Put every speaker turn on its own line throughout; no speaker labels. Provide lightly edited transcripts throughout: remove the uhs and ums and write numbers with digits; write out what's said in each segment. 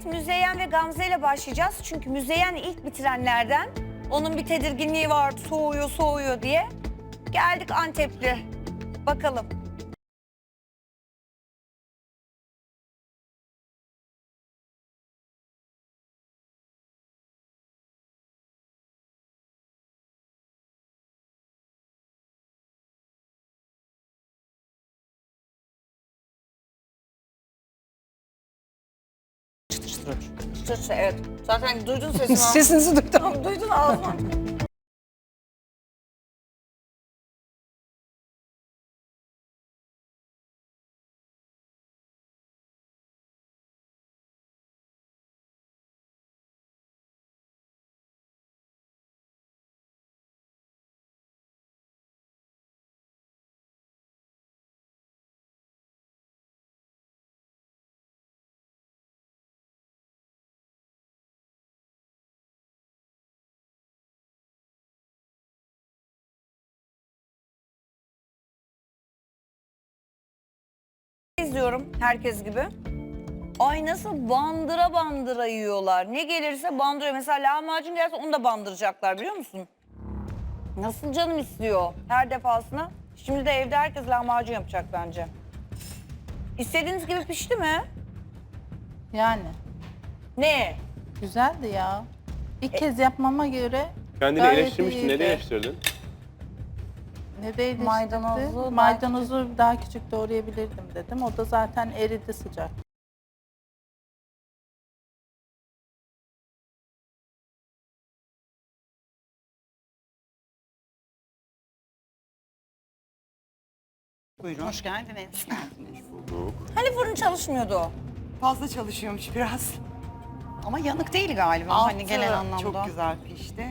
Evet, Müzeyyen ve Gamze ile başlayacağız. Çünkü Müzeyyen ilk bitirenlerden. Onun bir tedirginliği vardı, soğuyor diye. Geldik Antepli. Bakalım. Çıtır, evet. Zaten duydun sesini.
Sesinizi duydum.
Tamam, duydun ağzına. İzliyorum herkes gibi. Ay nasıl bandıra bandıra yiyorlar. Ne gelirse bandırıyor. Mesela lahmacun gelse onu da bandıracaklar biliyor musun? Nasıl canım istiyor her defasında. Şimdi de evde herkes lahmacun yapacak bence. İstediğiniz gibi pişti mi?
Yani
Ne?
güzeldi ya. İlk kez yapmama göre
Kendini
gayet
eleştirmiştin.
iyiydi.
Nereye eleştirdin?
Ne de eleştirdi?
Maydanozu
Maydanozu daha küçük doğrayabilirdim dedim. O da zaten eridi sıcak.
Buyurun. Hoş geldiniz.
Hani fırın çalışmıyordu?
Fazla çalışıyormuş biraz.
Ama yanık değil galiba
Altı
hani genel anlamda.
çok güzel pişti.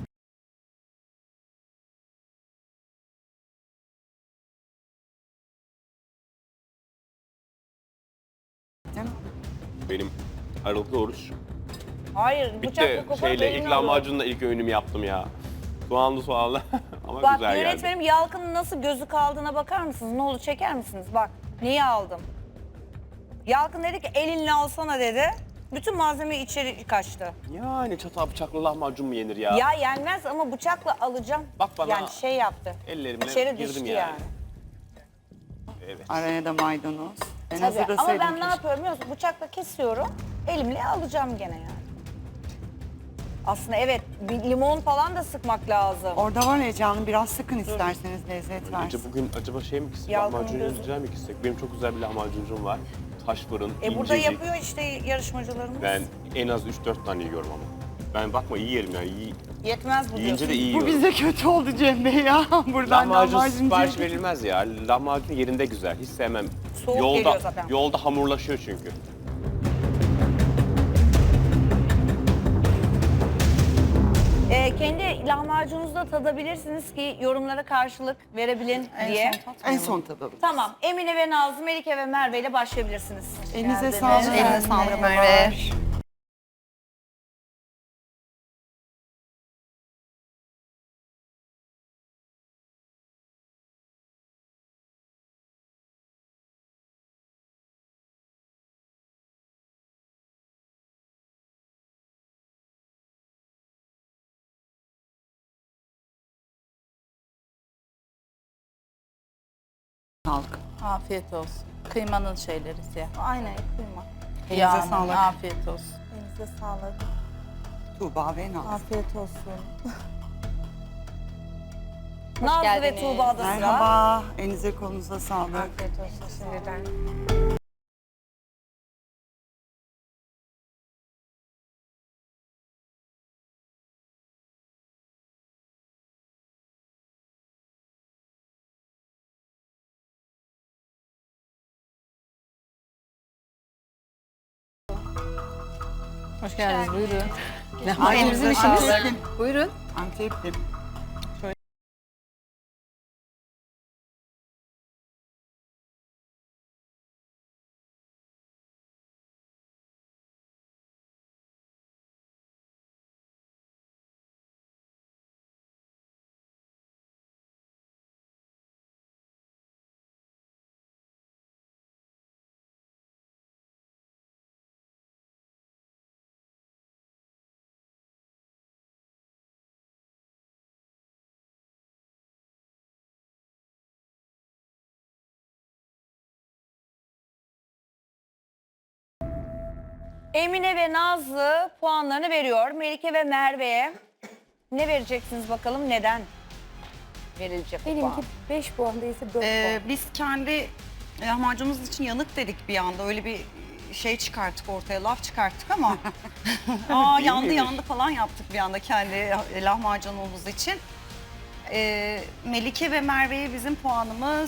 Değil mi?
Benim aralıklı oruç.
Hayır,
Bitti
bıçakla koparıp
şeyle ilk
elimle alıyor.
lahmacunla ilk öğünümü yaptım ya. Soğanlı. Ama
Bak
güzel geldi.
yönetmenim Yalkın'ın nasıl gözü kaldığına bakar mısınız? Ne olur çeker misiniz? Bak neyi aldım? Yalkın dedi ki elinle alsana dedi. Bütün malzeme içeri kaçtı.
Yani çatal bıçaklı lahmacun mu yenir ya?
Ya yenmez ama bıçakla alacağım.
Bak bana.
Yani şey yaptı.
Ellerimle
İçeri
girdim
düştü
yani.
yani.
Evet.
Araya da maydanoz. Ben
Tabii ama
hazırlasaydım
ben ne
keşke.
yapıyorum biliyor musun? Bıçakla kesiyorum. Elimle alacağım gene yani. Aslında evet bir limon falan da sıkmak lazım.
Orada var ya canım biraz sıkın isterseniz lezzet
Önce
versin.
bugün acaba şey mi gitsek?
Yalkın'ın
Lahmacun
gözü.
yiyeceğim mi gitsek? Benim çok güzel bir lahmacuncum var. Taş fırın,
Burada
incecik.
yapıyor işte yarışmacılarımız.
Ben en az 3-4 tane yiyorum ama. Ben bakma iyi yerim ya.
Yetmez bu
Yiyince
diyorsun.
de iyi
Bu
yiyorum.
bize kötü oldu Cem Bey ya. Buradan
Lahmacun
lahmacun
sipariş
diye-
verilmez ya. Lahmacun yerinde güzel. Hiç sevmem.
Soğuk geliyor zaten.
Yolda hamurlaşıyor çünkü.
Kendi lahmacununuzu da tadabilirsiniz ki yorumlara karşılık verebilin diye.
En son tadalım.
Tamam. Emine ve Nazlı, Melike ve Merve ile başlayabilirsiniz.
Elinize sağlık.
Eline sağlık Merve.
Sağlık.
Afiyet olsun. Kıymanın şeyleri siyah.
Aynen kıyma.
Elinize
Yağının,
sağlık.
afiyet olsun.
Elinize sağlık.
Tuğba ve Naz.
Afiyet olsun. Nazlı ve
geldiniz.
Tuğba'da sıra.
Merhaba. Elinize kolunuza sağlık.
Afiyet olsun şimdiden.
Hoş geldiniz. Buyurun.
Elinize sağlık.
Buyurun.
Antepli.
Emine ve Nazlı puanlarını veriyor. Melike ve Merve'ye ne vereceksiniz bakalım, neden verilecek bu puan?
Benimki 5 puan değilse 4 puan.
Biz kendi lahmacunumuz için yanık dedik bir anda. Öyle bir şey çıkarttık ortaya, laf çıkarttık ama aa yandı
miymiş?
yandı falan yaptık bir anda kendi lahmacunumuz için. Melike ve Merve'ye bizim puanımız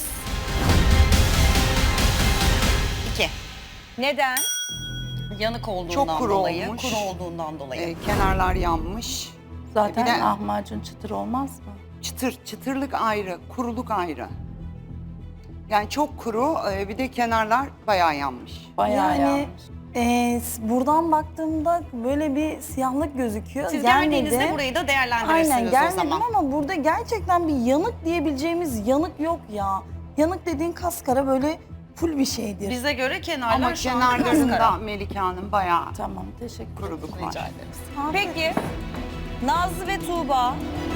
2.
Neden?
Yanık olduğundan
Çok kuru
dolayı,
olmuş.
kuru olduğundan dolayı.
Kenarlar yanmış.
Zaten
Bir de-
lahmacun çıtır olmaz mı?
Çıtırlık ayrı, kuruluk ayrı. Yani çok kuru, bir de kenarlar bayağı yanmış.
Bayağı
Yani
yanmış.
buradan baktığımda böyle bir siyahlık gözüküyor.
Siz
Gelmedi.
geldiğinizde burayı da değerlendirirsiniz
Aynen
o
gelmedim
zaman.
ama burada gerçekten bir yanık diyebileceğimiz yanık yok ya. Yanık dediğin kaskara böyle full bir şeydir.
Bize göre kenarlar
Ama
şu anda
kenarlarında
kaskara.
Melike Hanım bayağı
Tamam, teşekkür ederim.
kuruluk var.
Peki Nazlı ve Tuğba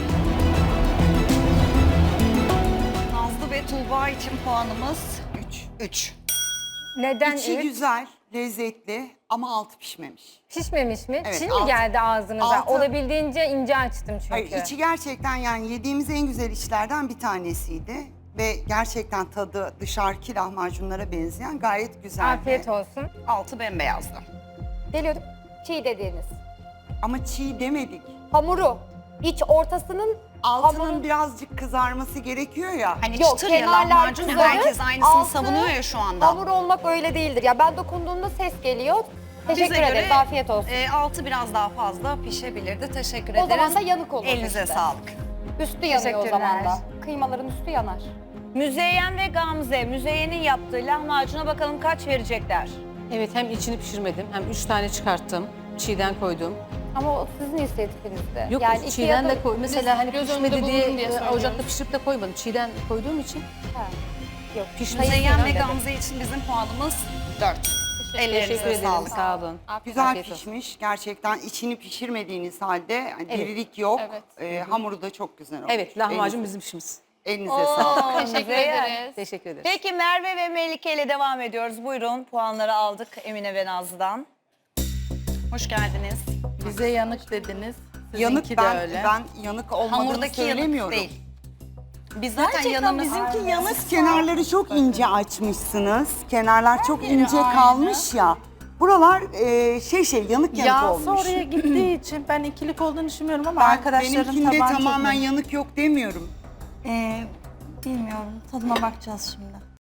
Nazlı ve Tuğba için puanımız
3.
3.
Neden
İçi
üç?
güzel, lezzetli ama altı pişmemiş.
Pişmemiş mi?
Evet,
Çiğ mi
altı.
geldi ağzınıza?
Altı.
Olabildiğince ince açtım çünkü.
Hayır, içi gerçekten yani yediğimiz en güzel içlerden bir tanesiydi. Ve gerçekten tadı dışarıki lahmacunlara benzeyen gayet güzeldi.
Afiyet olsun.
Altı bembeyazdı.
Geliyordum. Çiğ dediğiniz.
Ama çiğ demedik.
Hamuru. İç ortasının
Altının
Hamurun-
birazcık kızarması gerekiyor ya.
Hani
Yok,
çıtır ya
kenarlar
lahmacun
kızarır,
herkes aynısını
altı
savunuyor ya şu anda.
hamur olmak öyle değildir. Ya ben dokunduğumda ses geliyor. Teşekkür
Bize
ederiz.
göre,
Afiyet olsun.
Altı biraz daha fazla pişebilirdi. Teşekkür
O
ederiz.
zaman da yanık olur
Elinize
işte.
sağlık.
Üstü yanıyor o
Teşekkürler.
zaman da. Kıymaların üstü yanar.
Müzeyyen ve Gamze, Müzeyyen'in yaptığı lahmacuna bakalım kaç verecekler?
Evet, hem içini pişirmedim hem 3 tane çıkarttım. Çiğden koydum.
Ama o sizin inisiyatifinizde.
Yok,
yani iki
çiğden
ya da-
de koy. Mesela hani
göz önünde
pişmedi diye
bulunsun diye söylüyorum.
ocakta pişirip de koymadım. Çiğden koyduğum için
Ha, Yok.
pişmesi
Müzeyyen ve
önemli.
Gamze için bizim puanımız 4.
Teşekkür
Ellerinize
ederim.
sağlık.
Sağ olun.
Güzel
Afiyet olsun.
pişmiş. Gerçekten içini pişirmediğiniz halde hani dirilik yok. Hamuru da çok güzel olmuş.
Evet, lahmacun bizim işimiz.
Elinize sağlık.
Teşekkür
Müzeyyen.
ederiz.
Teşekkür ederiz.
Peki Merve ve Melike ile devam ediyoruz. Buyurun, puanları aldık Emine ve Nazlı'dan.
Hoş geldiniz.
Bize yanık dediniz.
Yanık
Sizinki de öyle.
ben yanık olmadığını
Hamurdaki yanık
söylemiyorum.
değil. Biz zaten
Gerçekten
yanımız...
bizimki yanık.
Siz kenarları çok ince açmışsınız. Kenarlar çok ince kalmış ya. Buralar yanık
Yağsı
olmuş.
oraya gittiği için ben ikilik olduğunu düşünmüyorum ama
Ben
arkadaşların
benimkinde
tabağı
tamamen
çok
yanık yok demiyorum.
Bilmiyorum. Tadına bakacağız şimdi.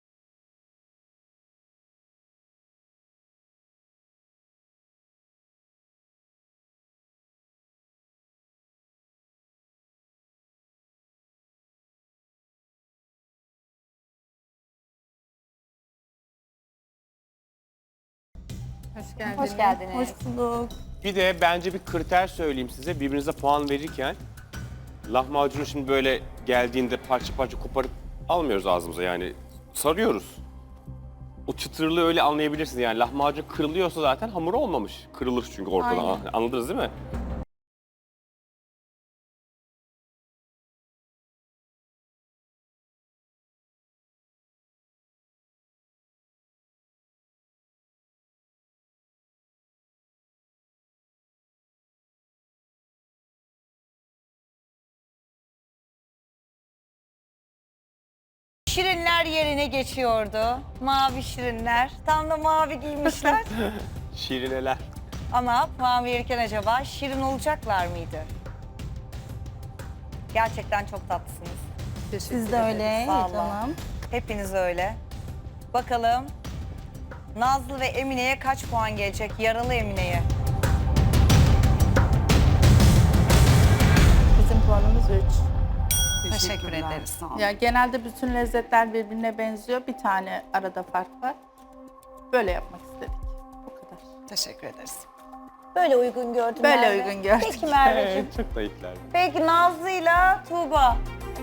Hoş geldiniz.
Hoş geldiniz.
Hoş bulduk.
Bir de bence bir kriter söyleyeyim size. Birbirinize puan verirken lahmacunu şimdi böyle geldiğinde parça parça koparıp almıyoruz ağzımıza yani. Sarıyoruz. O çıtırlığı öyle anlayabilirsiniz. Yani lahmacun kırılıyorsa zaten hamur olmamış. Kırılır çünkü ortadan.
Aynen.
Anladınız değil mi?
Şirinler yerine geçiyordu. Mavi şirinler. Tam da mavi giymişler.
Şirineler.
Ama puan verirken acaba şirin olacaklar mıydı? Gerçekten çok tatlısınız.
Siz de öyle
Vallahi.
canım.
Hepiniz öyle. Bakalım Nazlı ve Emine'ye kaç puan gelecek? Yaralı Emine'ye.
bizim puanımız 3.
Teşekkür
Teşekkürler,
ederiz.
Sağ olun.
Ya genelde bütün lezzetler birbirine benziyor. Bir tane arada fark var. Böyle yapmak istedik. Bu kadar.
Teşekkür ederiz.
Böyle uygun gördüm
Böyle
Merve.
uygun gördük.
Peki Merveciğim.
Evet, çok naifler.
Peki Nazlı'yla Tuğba.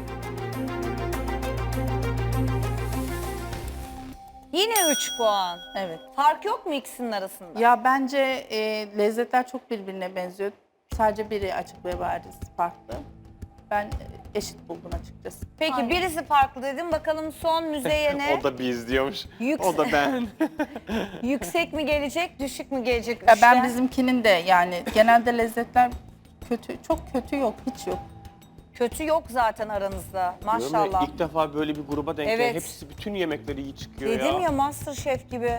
Yine 3 puan.
Evet.
Fark yok mu ikisinin arasında?
Ya bence lezzetler çok birbirine benziyor. Sadece biri açık ve bariz farklı. Ben eşit buldum açıkçası.
Peki birisi farklı dedim. Bakalım son Müzeyyen'e
O da biz diyormuş.
Yüksek-
O da ben.
yüksek mi gelecek, düşük mü gelecek?
Ya ben
Üçten?
bizimkinin de yani genelde lezzetler kötü, çok kötü yok, hiç yok.
Kötü yok zaten aranızda.
Diyorum ya,
Maşallah.
İlk defa böyle bir gruba denk
Evet.
geliyor. Hepsi bütün yemekleri iyi çıkıyor
Dedim ya MasterChef gibi.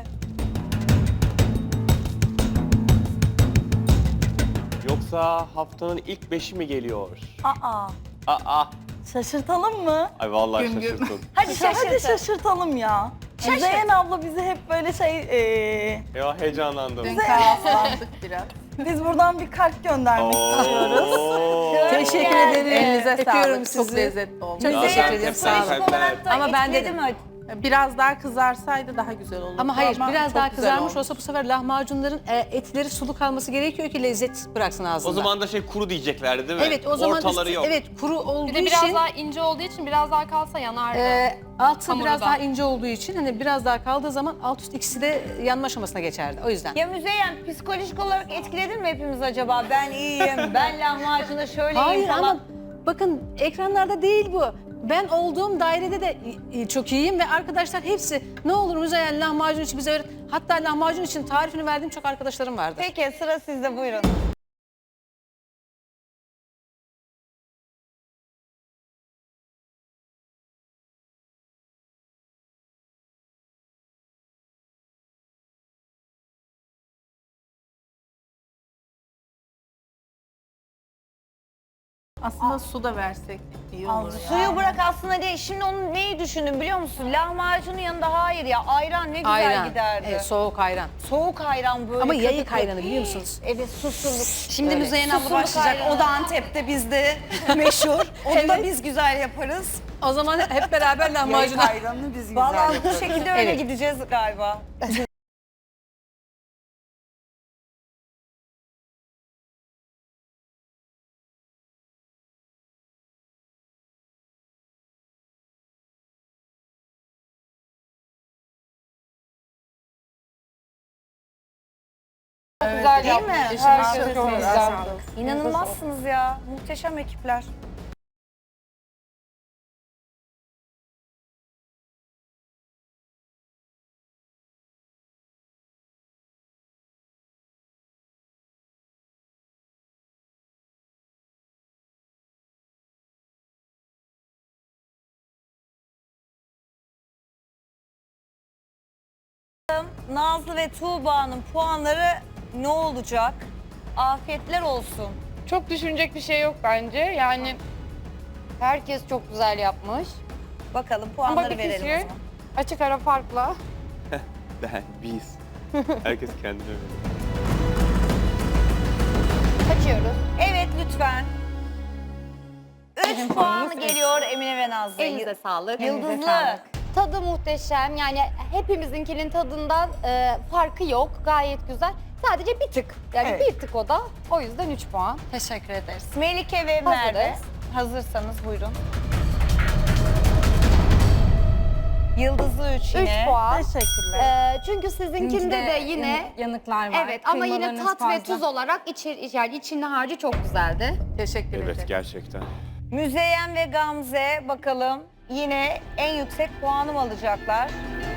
Yoksa haftanın ilk 5'i mi geliyor?
Aa,
Aa.
şaşırtalım mı?
Ay vallahi
Güm güm.
şaşırttın.
Hadi
Hadi
şaşırtın.
şaşırtalım ya.
Şaşırt.
Zeyn abla bizi hep böyle
Ya heyecanlandım.
Dün kahvaltılandık biraz.
biz buradan bir kalp göndermek istiyoruz.
Oo.
Teşekkür ederim.
Elinize
Öpüyorum
sağlık, çok
sizi.
lezzetli olmuş.
Çok
Ya,
teşekkür
ben
ederim.
hep
Sağ olun.
böyle
Psikolojik olarak da
Ama ben
etkiledi
dedim.
mi?
Biraz daha kızarsaydı daha güzel olurdu.
Ama hayır biraz
çok
daha
güzel
kızarmış
olmuş.
olsa bu sefer lahmacunların etleri sulu kalması gerekiyor ki lezzet bıraksın ağzında.
O zaman da kuru diyeceklerdi değil mi?
evet o zaman
Ortaları yok.
evet kuru olduğu
Bir de biraz
için
daha ince olduğu için biraz daha kalsa yanardı.
altı
Hamuru
biraz
da.
daha ince olduğu için hani biraz daha kaldığı zaman alt üst ikisi de yanma aşamasına geçerdi. O yüzden.
Ya Müzeyyen psikolojik olarak etkiledin mi hepimiz acaba? Ben iyiyim, ben lahmacunda şöyleyim
Hayır
falan.
ama bakın ekranlarda değil bu. Ben olduğum dairede de çok iyiyim ve arkadaşlar hepsi ne olur Müzeyyen lahmacun için bize öğret. Hatta lahmacun için tarifini verdiğim çok arkadaşlarım vardı.
Peki sıra sizde, buyurun.
Aslında su da versek iyi olur ya.
Suyu bırak aslında değil. Şimdi onu neyi düşündüm biliyor musun? Lahmacunun yanında hayır ya ayran ne güzel
Ayran.
giderdi.
Evet, soğuk ayran.
Soğuk ayran böyle.
Ama yayık
katık.
ayranı biliyor musunuz?
Evet susurluk.
Şimdi
Öyle.
Müzeyyen abla
Susurluk
başlayacak.
ayranı.
O da Antep'te bizde meşhur. Onu da biz güzel yaparız.
O zaman hep beraber
Yayık
lahmacuna.
ayranını biz güzel
Vallahi bu
yaparız.
şekilde öyle
Evet.
gideceğiz galiba.
Güzel
Değil
yapmış.
mi?
Herkese çok güzel.
İnanılmazsınız ya. Muhteşem ekipler. Nazlı ve Tuğba'nın puanları ne olacak? Afiyetler olsun.
Çok düşünecek bir şey yok bence. Yani herkes çok güzel yapmış.
Bakalım
Ama
puanları
bir
verelim o
kişi
zaman.
açık ara farkla.
Ben, biz. Herkes kendine göre.
Kaçıyoruz.
Evet lütfen. 3 puan geliyor Emine ve Nazlı'ya.
Elinize sağlık.
Yıldızlı.
Tadı muhteşem. Yani hepimizinkinin tadından farkı yok. Gayet güzel. Sadece bir tık. Yani
Evet.
bir tık o da. O yüzden 3 puan. Teşekkür ederiz.
Melike ve Merve.
Hazırız.
Hazırsanız buyurun. Yıldızlı 3
3
yine.
puan.
Teşekkürler.
Çünkü sizinkinde de yine
yanıklar var.
evet ama yine
Kıymalarınız
tat ve
fazla.
tuz olarak yani içinin harcı çok güzeldi.
Teşekkür ederim.
Evet gerçekten.
Müzeyyen ve Gamze bakalım yine en yüksek puanı mı alacaklar?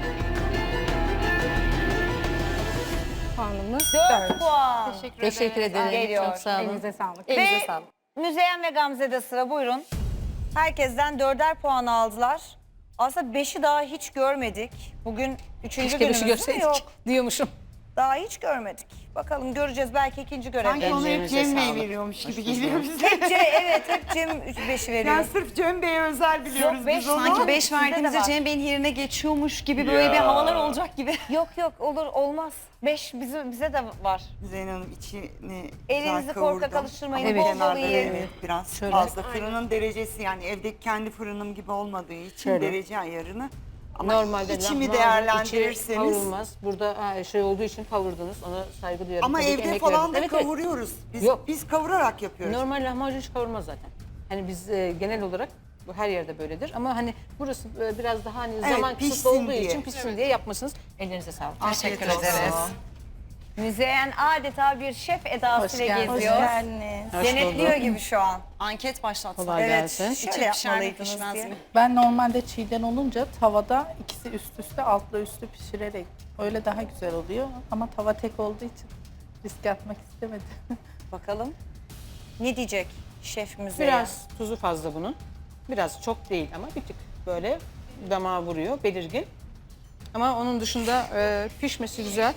Puanımız
4 puan.
Teşekkür ederim.
Geliyor.
Çok sağ olun.
Elinize sağlık.
Elinize
Ve
sağlık.
Müzeyyen ve Gamze'de sıra buyurun. Herkesten 4'er puan aldılar. Aslında 5'i daha hiç görmedik. Bugün 3.
Keşke
günümüz
beşi
değil mi?
görseydik
Yok.
diyormuşum.
Daha hiç görmedik. Bakalım göreceğiz belki ikinci
Sanki
görev.
onu hep
Ellerinize
Cem Bey
sağlık.
veriyormuş gibi geliyor bize.
Hep Cem 5'i veriyor.
Yani sırf Cem Bey'e özel biliyoruz
beş
biz onu.
Sanki 5
Sizde de
verdiğimizde
var.
Cem Bey'in yerine geçiyormuş gibi böyle
Ya.
bir havalar olacak gibi.
Yok olur olmaz. 5 bize de var.
Zeynep Hanım içini
Elinizi
güzel
korkak
kavurdum.
alıştırmayın,
Ama
bol bol
kenarda
yiyin.
evet, biraz
Şöyle.
fazla. Fırının derecesi yani evdeki kendi fırınım gibi olmadığı için
Şöyle.
derece ayarını. Ama
Normalde
içimi
lahmacun
değerlendirirseniz.
içi kavrulmaz. Burada şey olduğu için kavurdunuz. Ona saygı duyuyorum.
Ama
Tabii ki
evde
emek
falan
verdiniz.
da
Evet, evet.
kavuruyoruz.
Yok.
Biz kavurarak yapıyoruz.
Normal lahmacun hiç kavurmaz zaten. Hani biz genel olarak bu her yerde böyledir. Ama hani burası biraz daha hani
Evet,
zaman kısıtlı
pişsin
olduğu
diye.
için pişsin diye yapmışsınız. Ellerinize sağlık.
Afiyet
Teşekkür
olsun.
ederiz.
Müzeyyen adeta bir şef
Hoş
edasıyla
geldiniz.
geziyor.
geldiniz.
Denetliyor gibi şu an.
Anket başlatsak.
Kolay
Evet,
gelsin.
şöyle
İçi pişer mi,
yapmalıydınız
pişmez
diye.
mi?
Ben normalde çiğden olunca tavada ikisi üst üste altla üstü pişirerek öyle daha güzel oluyor. Ama tava tek olduğu için risk atmak istemedim.
Bakalım ne diyecek şef Müzeyyen?
Biraz tuzu fazla bunun. Biraz çok değil ama bir tık böyle damağa vuruyor, belirgin. Ama onun dışında pişmesi güzel.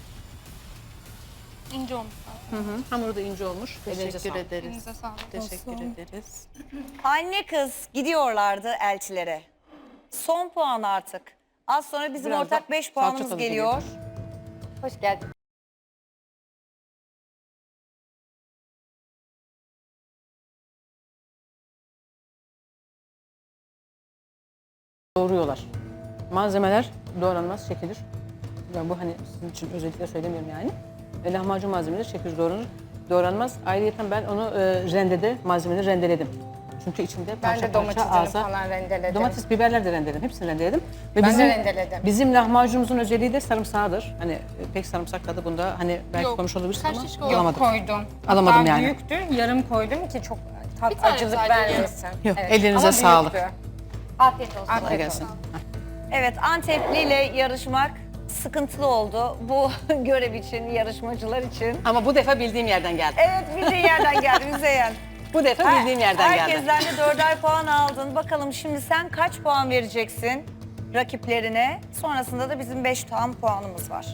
İnce olmuş.
Hamuru da ince olmuş. Elinize
Teşekkür
sağlık.
ederiz.
Elinize sağlık.
Teşekkür ederiz.
Anne kız gidiyorlardı elçilere. Son puan artık. Az sonra bizim
Biraz
ortak
da
5
salça
puanımız
tadı
geliyor.
Hoş geldin.
Doğruyorlar. Malzemeler doğranmaz, çekilir. Yani bu hani sizin için özellikle söylemiyorum yani. Lahmacun malzemeleri çekilir, doğranmaz. Ayrıca ben onu rendede, malzemeleri rendeledim. Çünkü içinde
Ben
parça
de
parça
domatesini
ağza...
falan rendeledim.
Domates, biberler de rendeledim, hepsini rendeledim. Ve
Ben de rendeledim.
Bizim lahmacunumuzun özelliği de sarımsağıdır. Hani pek sarımsak tadı bunda hani belki
Yok.
konuşmuş olabilirsin
Kaç
ama
şiş
alamadım.
Koydum.
Alamadım
Hatta
yani.
büyüktü, yarım koydum ki çok
Bir tane
acılık
sadece
vermesin.
Yok,
Evet,
ellerinize
ama
sağlık.
büyüktü.
Afiyet olsun.
Afiyet
Kolay gelsin.
Evet, Antepli ile yarışmak sıkıntılı oldu. Bu görev için, yarışmacılar için.
Ama bu defa bildiğim yerden geldi.
Evet, bildiğin yerden geldi Müzeyyen.
Bu defa bildiğim yerden geldi.
Herkesten de 4'er puan aldın. Bakalım şimdi sen kaç puan vereceksin rakiplerine? Sonrasında da bizim 5 tam puanımız var.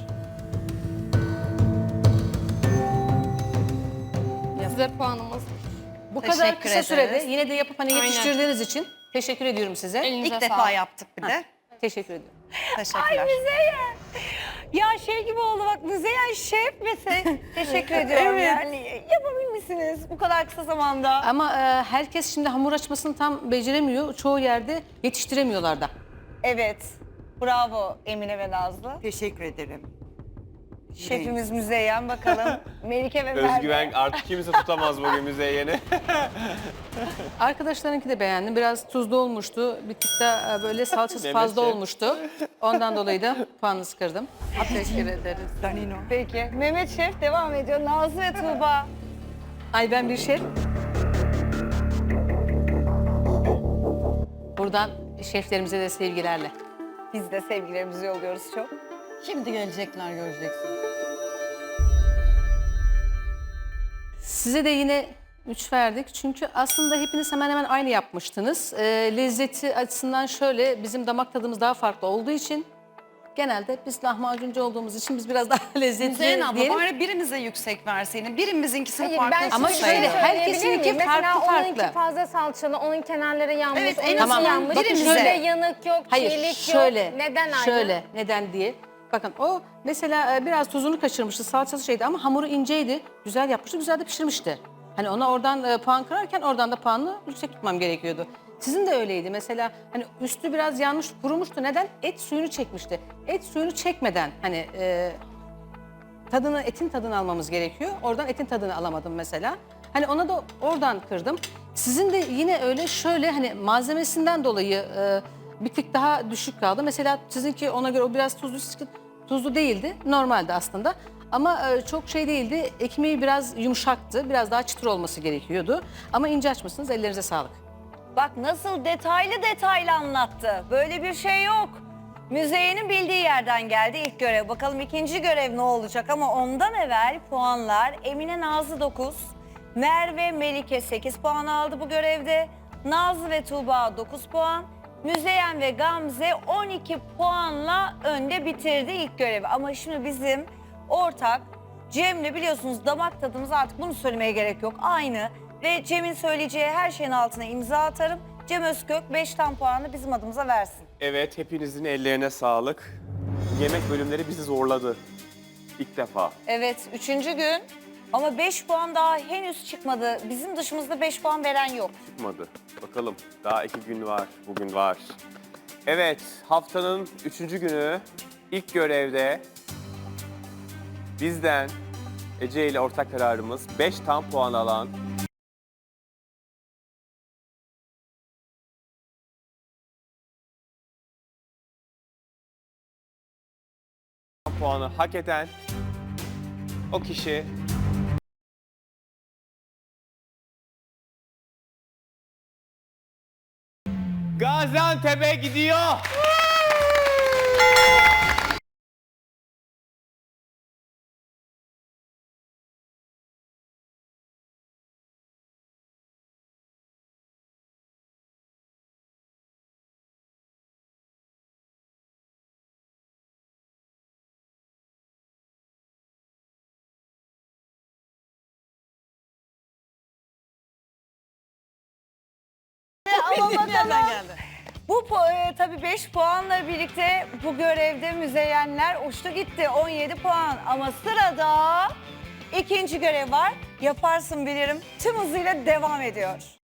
Size puanımız.
Bu kadar
Teşekkür
kısa
ederiz.
sürede yine de yapıp hani
Aynen.
yetiştirdiğiniz için teşekkür ediyorum size.
Elinize
İlk defa
sağlık.
yaptık bir de.
Teşekkür ediyorum.
Teşekkürler.
Müzeyyen. Ya şey gibi oldu bak, Müzeyyen şef ve sen teşekkür ediyorum. Yani yapabilmişsiniz bu kadar kısa zamanda.
Ama herkes şimdi hamur açmasını tam beceremiyor. Çoğu yerde yetiştiremiyorlar da.
Evet, bravo Emine ve Nazlı.
Teşekkür ederim.
Şefimiz Müzeyyen, bakalım Melike ve Merve.
Özgüven artık kimse tutamaz bugün Müzeyyen'i.
Arkadaşlarınki de beğendim. Biraz tuzlu olmuştu. Bir tık da böyle salçası
Mehmet
fazla
Şef.
olmuştu. Ondan dolayı da puanınızı kırdım.
Teşekkür ederiz.
Danino.
Peki, Mehmet Şef devam ediyor. Nazlı ve Tuğba.
Ay ben bir şef. Buradan şeflerimize de sevgilerle.
Biz de sevgilerimizi yolluyoruz çok.
Şimdi gelecekler, göreceksin.
Size de yine 3 verdik. Çünkü aslında hepiniz hemen hemen aynı yapmıştınız. Lezzeti açısından şöyle, bizim damak tadımız daha farklı olduğu için genelde biz lahmacuncu olduğumuz için biz biraz daha lezzetli
Müzeyyen abla
diyelim.
bari birimize yüksek verseydin. Birimizinkisini
Hayır,
farklı
ben
Ama
şimdi
şöyle,
şöyle
herkesinki
söyleyebilir miyim?
farklı
Mesela onunki
farklı.
fazla salçalı, onun kenarları yanmış,
Evet, en
onunki
azından
yanmış.
bakın
Bizde
şöyle.
yanık yok,
Hayır,
çiğlik
şöyle,
yok. Neden aynı?
şöyle, neden diye. Bakın o mesela biraz tuzunu kaçırmıştı, salçası şeydi ama hamuru inceydi. Güzel yapmıştı, güzel de pişirmişti. Hani ona oradan puan kırarken oradan da puanını yüksek tutmam gerekiyordu. Sizin de öyleydi. Mesela hani üstü biraz yanmış, kurumuştu. Neden? Et suyunu çekmişti. Et suyunu çekmeden hani etin tadını almamız gerekiyor. Oradan etin tadını alamadım mesela. Hani ona da oradan kırdım. Sizin de yine öyle şöyle hani malzemesinden dolayı bir tık daha düşük kaldı. Mesela sizinki ona göre o biraz tuzlu değildi. Normaldi aslında. Ama çok şey değildi. Ekmeği biraz yumuşaktı. Biraz daha çıtır olması gerekiyordu. Ama ince açmışsınız. Ellerinize sağlık.
Bak nasıl detaylı anlattı. Böyle bir şey yok. Müzeyyen'in bildiği yerden geldi ilk görev. Bakalım ikinci görev ne olacak ama ondan evvel puanlar. Emine Nazlı 9, Merve Melike 8 puan aldı bu görevde. Nazlı ve Tuğba 9 puan. Müzeyyen ve Gamze 12 puanla önde bitirdi ilk görevi. Ama şimdi bizim ortak Cem'le biliyorsunuz damak tadımız artık bunu söylemeye gerek yok. Aynı ve Cem'in söyleyeceği her şeyin altına imza atarım. Cem Özkök 5 tam puanı bizim adımıza versin.
Evet, hepinizin ellerine sağlık. Yemek bölümleri bizi zorladı. İlk defa.
Evet 3. gün ama 5 puan daha henüz çıkmadı. Bizim dışımızda 5 puan veren yok.
Çıkmadı. Bakalım, daha 2 gün var, bugün var. Evet, haftanın 3. günü ilk görevde bizden Ece ile ortak kararımız 5 tam puan alan puanı hak eden o kişi. Gaziantep'e gidiyor.
Ama bakalım. Bu tabii 5 puanla birlikte bu görevde Müzeyyenler uçtu gitti. 17 puan ama sırada ikinci görev var. Yaparsın bilirim tüm hızıyla devam ediyor.